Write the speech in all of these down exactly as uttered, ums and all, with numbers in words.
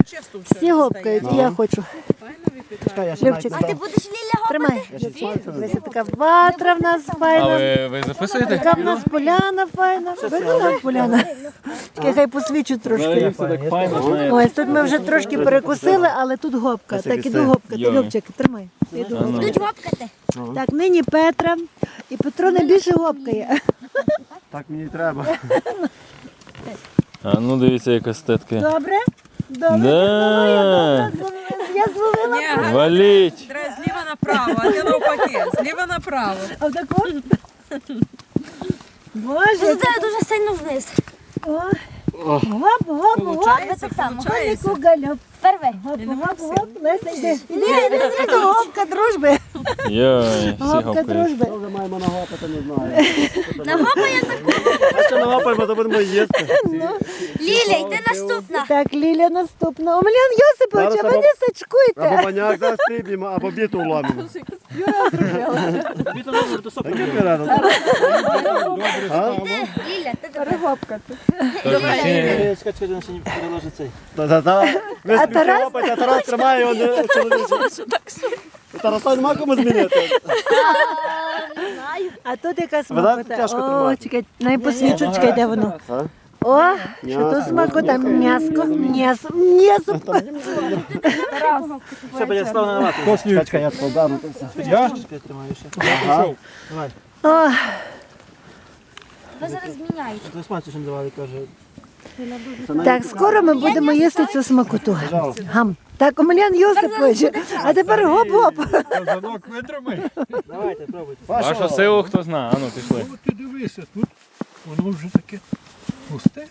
Всі гопкають, і я хочу. Любчик, А ти будеш, Ліля, тримай. Ось така ватра в нас А файна. ви, ви записуєте? Така в нас поляна файна. Видно нам поляна? Чекай, хай посвічу трошки. Ось тут ми вже трошки перекусили, але тут гопка. Так іду гопкати. Любчик, тримай. Іду гопкати. будуть гопкати. Так, нині Петра. І Петро найбільше гопкає. Так мені треба. А ну дивіться, яка статка. Добре? Добре. Да. Я зловила. Валіть. Треба зліва направо, а ти навпаки, зліва направо. А в таку? Боже, Це дуже сильно вниз. О, гоп, гоп, гоп. Ви так само. Конику гальоп. Первий. Гоп, гоп, гоп. Леся, йди. Ні, не зрito, гопка дружби. Йой, всі Гопка гопають. дружби. Вже маємо нагопати, не знаю. Нагопає таку. А що нагопаємо, то будемо їсти. Ліля, йди наступна. Так, Ліля наступна. Омелян Йосипович, а Зараз ви не Або сачкуйте. баняк зараз приб'ємо, або біту вломимо. Таке пірано. Ти, Ліля, ти добре. Гопкати. Та-та-та. Ви А співте Тарас? лопать, а Тарас тримає його не чоловіче. Тараса нема кому змінити. А тут яка знаєте, смакота. тяжко О, тримати. чекай, найпосвічу, чекай, де воно. А? О, що тут смакота. М'яско, м'ясо, м'ясо. Чекай, чекай, я складаю. Ага. О, Ви зараз зміняєте. так, скоро ми будемо їсти цю смакоту. Гам. Так, Омелян Йосипович, а тепер гоп-гоп. Казанок витримай. Вашу силу хто знає? Ану, пішли. От ти дивися, тут воно вже таке пусте.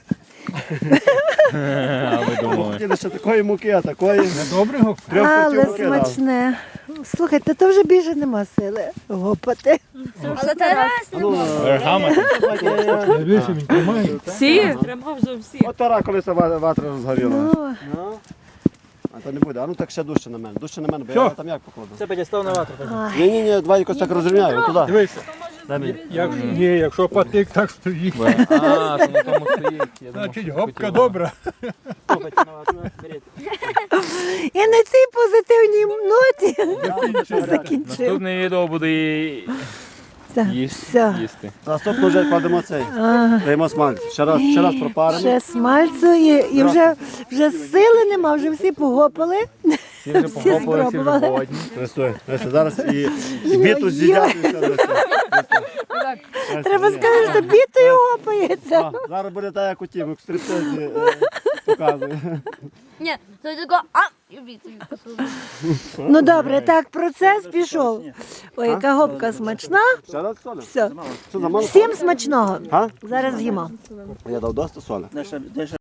А ви думали? Хотіли ще такої муки, а такої. Недобре го? Трьох Але сортів муки дав. смачне. Слухайте, то вже більше нема сили гопати. Але Тарас не може. Вергами? Дивися, він тримає. Всі? Тримав вже всі. От Тара колись ва- ватра розгоріла. Ну, А то не буде. А ну так ще дужче на мене. Дужче на мене, бо я там як покладу. Це підістав на ватру. Ні, ні, ні, давай якось так розрівняю. Туди. Дивися, Дай мені. як, ні, якщо патик так стоїть, А, то на тому стоїть. Я думав, значить що гопка хотіла. добра. Стопайте на ватру, беріть. і на цій позитивній ноті закінчив. Наступне відео буде і- Все, їсти. все. їсти. Наступно вже кладемо цей. Даємо смальць. Ще раз, ще раз пропаримо. Ще смальцю і, і вже, вже сили нема, вже всі погопали. Всі вже Всі похопали, всі вже спробували. голодні. Стой, стой, зараз і і біту з'їдять. і все, Леся. Леся, Треба ні. сказати, що бітою гопається. А, зараз буде так, як у тім, як в стриптизі е, показує. Ні, то тако, а, і бітою. Ну добре, так, процес пішов. Ой, яка гопка смачна. Ще раз солі? Все. Що за мало? Всім смачного. А? Зараз з'їмо. Я дав досить солі. Де ще- де ще